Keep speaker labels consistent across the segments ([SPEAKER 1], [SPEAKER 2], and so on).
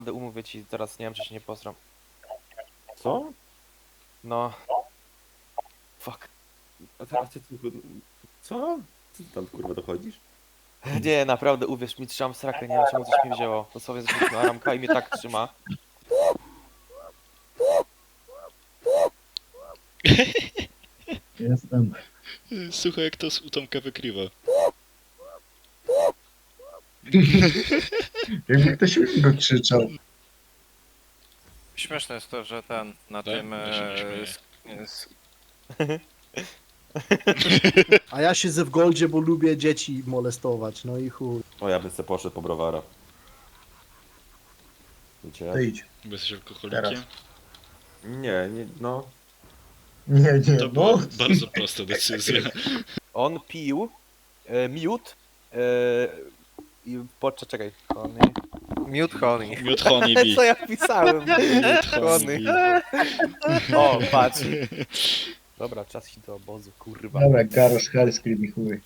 [SPEAKER 1] Umówię ci teraz, nie wiem czy się nie posram.
[SPEAKER 2] Co?
[SPEAKER 1] No. Fuck.
[SPEAKER 2] A ty co? Co ty tam kurwa dochodzisz?
[SPEAKER 1] Nie, naprawdę uwierz mi, trzymam srakę, nie wiem czemu coś mnie wzięło. Dosłownie zrzuciłem ramka i mnie tak trzyma.
[SPEAKER 3] Jestem.
[SPEAKER 4] Słuchaj, jak to z Tomka wykrywa.
[SPEAKER 3] Jakby ktoś go krzyczał.
[SPEAKER 5] Śmieszne jest to, że ten na
[SPEAKER 4] Tak?
[SPEAKER 5] tym.
[SPEAKER 4] Ja się nie śmieję.
[SPEAKER 6] A ja siedzę w Goldzie, bo lubię dzieci molestować, no i chuj.
[SPEAKER 2] O, ja bym se poszedł po browara. Wiecie?
[SPEAKER 3] To idź.
[SPEAKER 4] Bo jesteś alkoholikiem?
[SPEAKER 3] Teraz.
[SPEAKER 2] Nie, no.
[SPEAKER 3] Nie,
[SPEAKER 4] To
[SPEAKER 3] no.
[SPEAKER 4] była bardzo prosta decyzja.
[SPEAKER 1] On pił miód i czekaj.
[SPEAKER 5] Mute honey.
[SPEAKER 4] Miód honey bee.
[SPEAKER 1] Co ja pisałem?
[SPEAKER 4] Miód honey bee.
[SPEAKER 1] O, patrz. Dobra, czas iść do obozu, kurwa.
[SPEAKER 3] Dobra, Garosz Halskrim i chuj.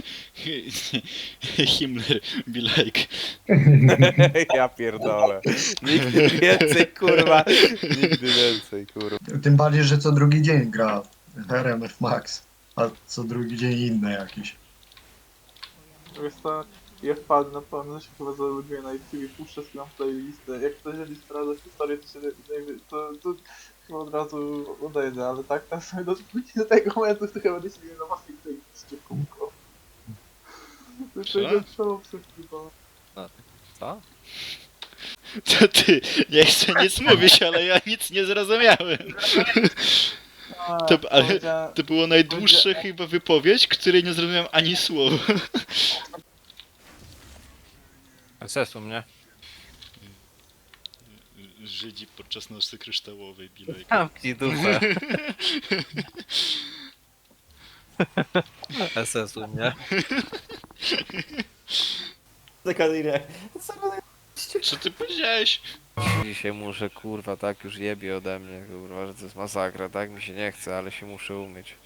[SPEAKER 4] Himmler be like.
[SPEAKER 1] Ja pierdolę. Nigdy więcej, kurwa. Nigdy więcej, kurwa.
[SPEAKER 3] Tym bardziej, że co drugi dzień gra RMF Max. A co drugi dzień inne jakieś.
[SPEAKER 7] Wiesz co, ja wpadłem na pewno, się chyba zalubię na YouTube i puszczę swoją playlistę. Jak ktoś będzie sprawdzać historię, to chyba od razu odejdę, ale tak tam sobie do tego momentu, to chyba będę się na własnej playliście kółko. To jest tego trzeba przeskrypać.
[SPEAKER 5] Co?
[SPEAKER 4] To ty, nie chcę nic mówić, ale ja nic nie zrozumiałem. Ale to było najdłuższa chyba wypowiedź, której nie zrozumiałem ani słowa.
[SPEAKER 5] SS u mnie.
[SPEAKER 4] Żydzi podczas nocy kryształowej be like.
[SPEAKER 5] Zamknij dupę. SS u mnie.
[SPEAKER 4] Co ty powiedziałeś?
[SPEAKER 5] Dzisiaj muszę, kurwa, tak już jebie ode mnie, kurwa, że to jest masakra, tak mi się nie chce, ale się muszę umyć.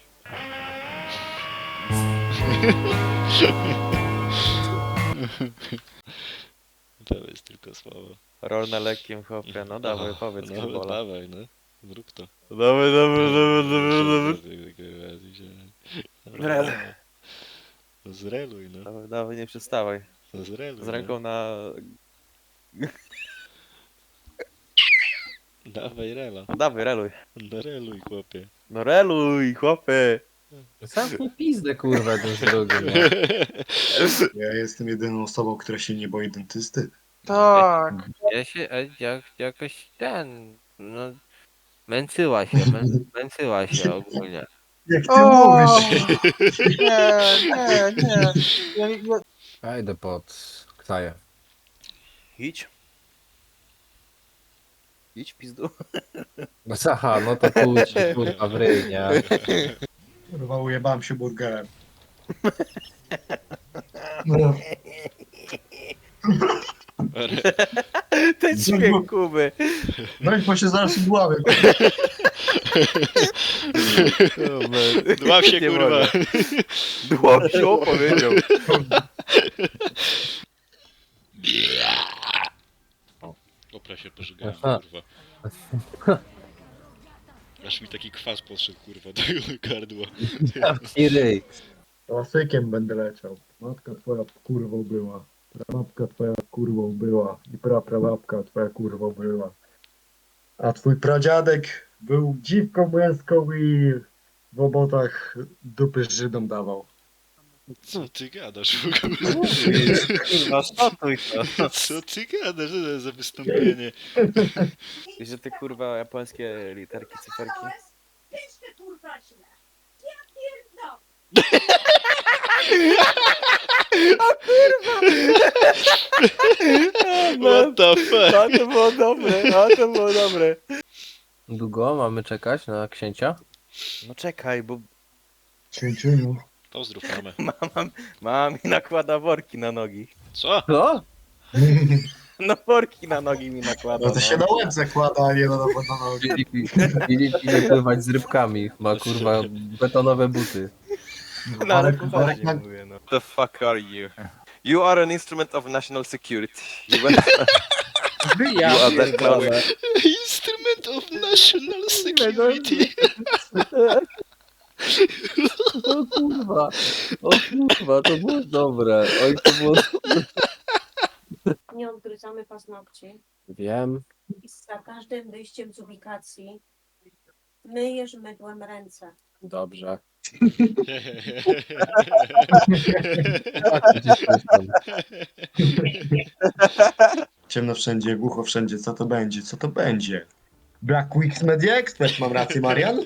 [SPEAKER 4] To jest tylko słowo.
[SPEAKER 1] Rol na lekkim chłopie, no dawaj, powiedz
[SPEAKER 4] No,
[SPEAKER 1] Kibola.
[SPEAKER 4] dawaj, no. Zrób to.
[SPEAKER 1] Dawaj. Rel.
[SPEAKER 4] No zreluj, no.
[SPEAKER 1] Dawaj, nie przestawaj.
[SPEAKER 4] No zreluj.
[SPEAKER 1] Z ręką na...
[SPEAKER 4] No. Dawaj rela.
[SPEAKER 1] No dawaj, reluj.
[SPEAKER 4] No reluj, chłopie.
[SPEAKER 1] No reluj, chłopie.
[SPEAKER 8] Zamknij pizdę, kurwa, ten z drugim. No.
[SPEAKER 3] Ja jestem jedyną osobą, która się nie boi dentysty.
[SPEAKER 7] Tak!
[SPEAKER 5] Ja się, jakoś ten, no, męcyła się ogólnie.
[SPEAKER 3] Jak ty
[SPEAKER 7] O!
[SPEAKER 3] mówisz?
[SPEAKER 7] Nie.
[SPEAKER 8] Ja idę pod Ksaję.
[SPEAKER 1] Idź. Idź w pizdu.
[SPEAKER 8] No aha, no to pójdź, kurwa, w ryj, nie?
[SPEAKER 3] Kurwa, ujebałem się burgerem. No.
[SPEAKER 1] Ten dźwięk Kuby.
[SPEAKER 3] No i bo się zaraz udławię.
[SPEAKER 4] Dław się,
[SPEAKER 1] Nie
[SPEAKER 4] kurwa.
[SPEAKER 1] mogę. Dłopsio powiedział.
[SPEAKER 4] Opra się pożygałem,
[SPEAKER 8] Aha.
[SPEAKER 4] kurwa. Aż mi taki kwas podszedł, kurwa, do gardła.
[SPEAKER 8] I ryj.
[SPEAKER 3] Klasykiem będę leciał. Matka twoja kurwą była. Prababka twoja kurwą była. I praprawabka twoja kurwą była. A twój pradziadek był dziwką męską i w obotach dupy Żydom dawał.
[SPEAKER 4] Co ty gadasz w ogóle?
[SPEAKER 1] Kurwa, szatuj to.
[SPEAKER 4] Co ty gadasz? Co to jest za wystąpienie?
[SPEAKER 1] Że ty kurwa japońskie literki, cyferki.
[SPEAKER 4] What the fuck?
[SPEAKER 1] A to było dobre.
[SPEAKER 8] Długo mamy czekać na księcia?
[SPEAKER 1] No czekaj, bo
[SPEAKER 3] Święciuniu.
[SPEAKER 4] Pozdrów mamę.
[SPEAKER 1] mama mi nakłada worki na nogi.
[SPEAKER 4] Co?
[SPEAKER 8] Co?
[SPEAKER 1] No worki na nogi mi nakłada.
[SPEAKER 3] No to się na łeb zakłada, a nie na nogi.
[SPEAKER 8] Idzie pływać z rybkami. Ma, kurwa, betonowe buty.
[SPEAKER 1] No ale
[SPEAKER 3] Marek-
[SPEAKER 1] poważnie
[SPEAKER 3] Marek-
[SPEAKER 1] mówię, no. The fuck are you? You are an instrument of national security. You went...
[SPEAKER 8] Ja
[SPEAKER 1] You are that close.
[SPEAKER 8] pierdolę.
[SPEAKER 4] Instrument of national security.
[SPEAKER 8] O kurwa, to było dobre. Oj, to było...
[SPEAKER 9] Nie odgryzamy paznokci
[SPEAKER 8] Wiem.
[SPEAKER 9] i za każdym wyjściem z ubikacji myjesz mydłem ręce.
[SPEAKER 8] Dobrze. Tak, gdzieś słyszałem.
[SPEAKER 3] Ciemno wszędzie, głucho wszędzie, co to będzie, co to będzie? Black Wix Media Expert, mam rację, Marian?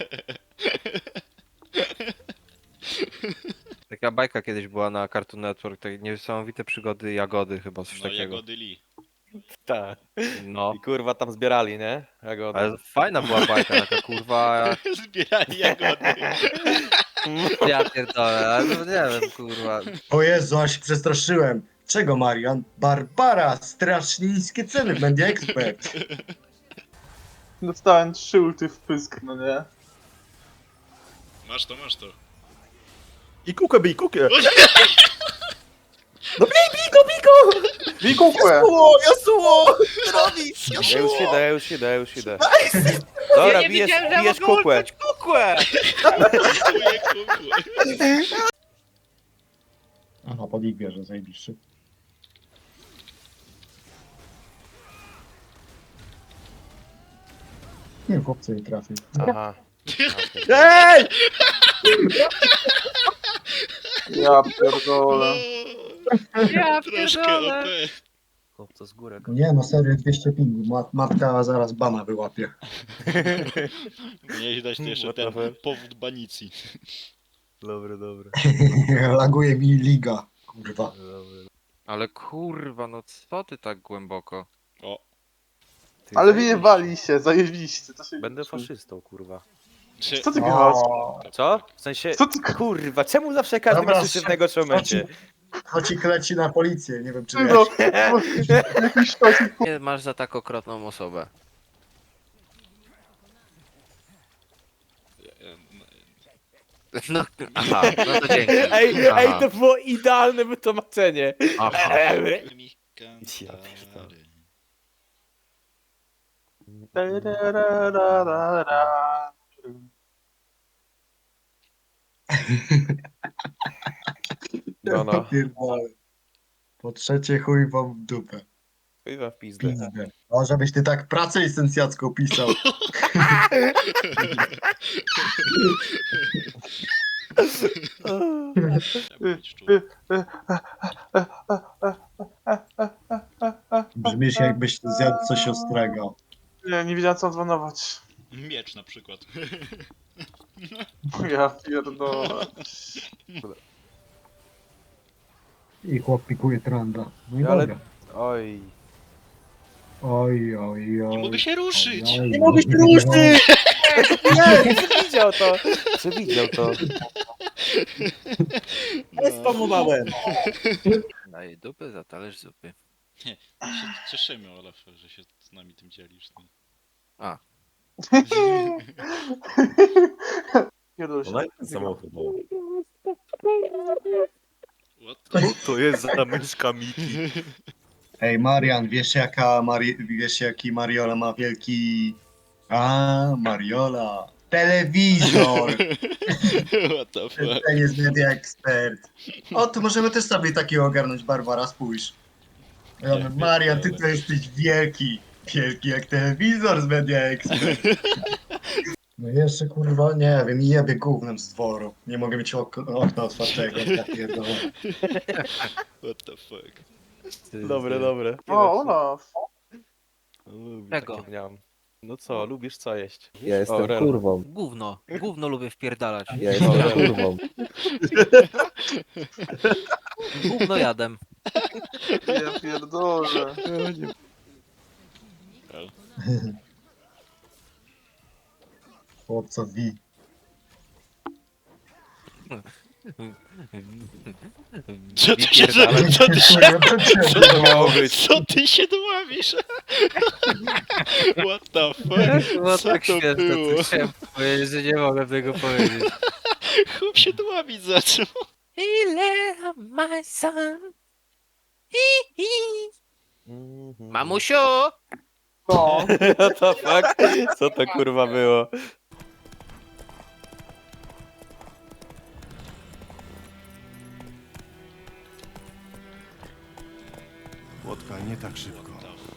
[SPEAKER 5] Taka bajka kiedyś była na Cartoon Network, takie niesamowite przygody Jagody chyba, coś
[SPEAKER 4] No
[SPEAKER 5] takiego.
[SPEAKER 4] jagody Lee.
[SPEAKER 1] Tak.
[SPEAKER 5] No,
[SPEAKER 1] I kurwa tam zbierali, nie? Jagody.
[SPEAKER 5] ale fajna była bajka, taka kurwa...
[SPEAKER 4] Zbierali jagody.
[SPEAKER 5] Ja pierdolę, ale no nie wiem, kurwa.
[SPEAKER 3] O Jezu, aż się przestraszyłem. Czego, Marian? Barbara, strasznie niskie ceny w Media Expert.
[SPEAKER 7] Dostałem 3 ulty w pysk, no nie?
[SPEAKER 4] Masz to, masz to.
[SPEAKER 2] I kukę bij, kukę!
[SPEAKER 7] Wikukłe!
[SPEAKER 2] Jasuo!
[SPEAKER 1] Ja już idę. Dobra, bijesz kukłę.
[SPEAKER 4] Kukuję, kukuję.
[SPEAKER 3] Aha, pod ich wieżę, zajebiście. Nie, chłopcy nie trafił.
[SPEAKER 1] Aha.
[SPEAKER 2] Ej!
[SPEAKER 7] Ja pierdolę.
[SPEAKER 5] Ja
[SPEAKER 4] Troszkę OP.
[SPEAKER 1] Chłopca z górek.
[SPEAKER 3] Nie, no serio, 200 pingu. Matka zaraz bana wyłapie.
[SPEAKER 4] Miałeś dać jeszcze
[SPEAKER 1] What the
[SPEAKER 4] ten
[SPEAKER 1] fuck?
[SPEAKER 4] powód banicji.
[SPEAKER 1] Dobry.
[SPEAKER 3] Laguje mi liga. Kurwa.
[SPEAKER 5] Ale kurwa, no co ty tak głęboko?
[SPEAKER 4] O,
[SPEAKER 1] Ty
[SPEAKER 7] Ale
[SPEAKER 1] zajebiście.
[SPEAKER 7] wyjebali się, zajebiście. To się
[SPEAKER 1] Będę
[SPEAKER 7] liczy.
[SPEAKER 1] faszystą, kurwa.
[SPEAKER 4] czy...
[SPEAKER 7] Co ty gadasz?
[SPEAKER 1] Co? W sensie,
[SPEAKER 7] Co ty
[SPEAKER 1] kurwa, czemu zawsze każdy
[SPEAKER 3] Dobra,
[SPEAKER 1] mnie słyszy w najgorszym momencie?
[SPEAKER 3] Chodź leci na policję, nie wiem czy
[SPEAKER 7] Ty
[SPEAKER 3] wiesz.
[SPEAKER 7] no, jakiś sztosik.
[SPEAKER 5] Nie masz za tak okropną osobę. No, aha, no to dzięki. Aha.
[SPEAKER 1] to było idealne wytłumaczenie.
[SPEAKER 5] Aha.
[SPEAKER 4] Mi
[SPEAKER 1] Ja
[SPEAKER 4] cantare.
[SPEAKER 1] No.
[SPEAKER 3] Pierdolę. Po trzecie chuj wam w dupę.
[SPEAKER 1] Chyba w pizdę.
[SPEAKER 3] Pizdę. O, żebyś ty tak pracę licencjacką pisał.
[SPEAKER 4] Trzeba być czuł.
[SPEAKER 3] Brzmisz jakbyś zjadł coś ostrego.
[SPEAKER 7] Nie wiedziałem co dzwonować.
[SPEAKER 4] Miecz na przykład.
[SPEAKER 7] Ja pierdolę.
[SPEAKER 3] I chłop pikuje tranda. No i
[SPEAKER 1] Ale-
[SPEAKER 3] dobra.
[SPEAKER 1] Oj.
[SPEAKER 3] Oj.
[SPEAKER 4] Nie mogę się ruszyć!
[SPEAKER 3] Nie mogę się ruszyć!
[SPEAKER 1] Przewidział to. Przewidział to.
[SPEAKER 2] Spamowałem!
[SPEAKER 5] Daję dupy za talerz zupy.
[SPEAKER 4] Się cieszymy, Olaf, że się z nami tym dzielisz. No.
[SPEAKER 7] Pierdolę się.
[SPEAKER 2] Ona jest samochód.
[SPEAKER 4] What?
[SPEAKER 1] To jest za myszka Miki.
[SPEAKER 3] Ej, Marian, wiesz jaki Mariola ma wielki... Mariola. Telewizor!
[SPEAKER 4] What the fuck?
[SPEAKER 3] Ten jest Media Expert. O, to możemy też sobie takiego ogarnąć, Barbara, spójrz. Ja mówię, Marian, ty to jesteś wielki. Wielki jak telewizor z Media Expert. No jeszcze kurwa, nie wiem, jebie gównem z dworu. Nie mogę mieć okna otwartego, ja pierdolę.
[SPEAKER 4] What the fuck?
[SPEAKER 1] Dobre.
[SPEAKER 7] O, Olaf.
[SPEAKER 5] Czego?
[SPEAKER 1] Takie miałem. No co, lubisz co jeść?
[SPEAKER 8] Ja jestem
[SPEAKER 1] Rel.
[SPEAKER 8] kurwą.
[SPEAKER 5] Gówno lubię wpierdalać.
[SPEAKER 8] Ja jestem kurwą.
[SPEAKER 5] Gówno jadem.
[SPEAKER 7] Ja pierdolę.
[SPEAKER 3] Chłopca wi.
[SPEAKER 4] Co ty się,
[SPEAKER 5] Wypierdalać.
[SPEAKER 1] Co to miało być?
[SPEAKER 4] co ty się dławisz? What the fuck?
[SPEAKER 5] Było
[SPEAKER 4] Co
[SPEAKER 5] tak
[SPEAKER 4] to
[SPEAKER 5] śmieszne,
[SPEAKER 4] było?
[SPEAKER 5] co chciałem powiedzieć, że nie mogę tego powiedzieć.
[SPEAKER 4] Chłop się dławić zaczął.
[SPEAKER 5] Ile my son? Mamusiu!
[SPEAKER 7] To.
[SPEAKER 1] What the fuck? Co to kurwa było?
[SPEAKER 2] Łotka, nie tak szybko.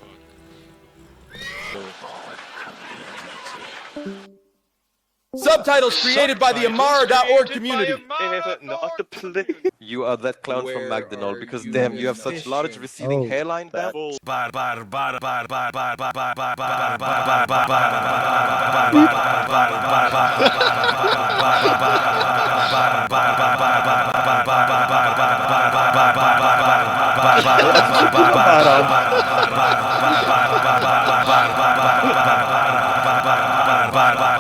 [SPEAKER 10] Subtitles created by the Amara.org community.
[SPEAKER 11] You are that clown from McDonald because damn, you have such large receding
[SPEAKER 3] Oh.
[SPEAKER 11] hairline. Damn.
[SPEAKER 1] Baran.